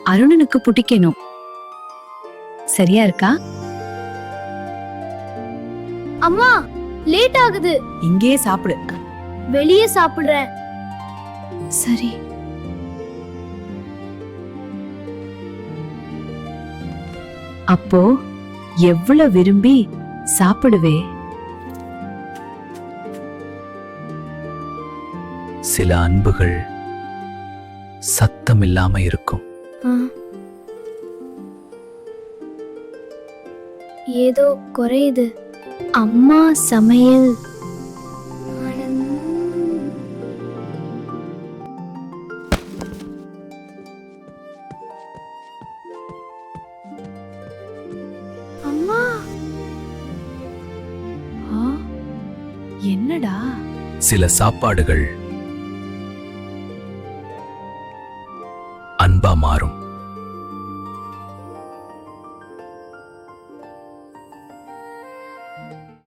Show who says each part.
Speaker 1: அருணனுக்கு பிடிக்கணும். சரியா இருக்கா?
Speaker 2: அம்மா, லேட் ஆகுது.
Speaker 1: இங்கேயே சாப்பிடு.
Speaker 2: வெளியே சாப்பிடுறேன்.
Speaker 1: சரி. அப்போ எவ்வளவு விரும்பி சாப்பிடுவே?
Speaker 3: சில அன்புகள் சத்தம் இல்லாம இருக்கும்.
Speaker 2: ஏதோ குறையுது. அம்மா சமையல். அம்மா,
Speaker 1: என்னடா?
Speaker 3: சில சாப்பாடுகள் அன்பா மாறும்.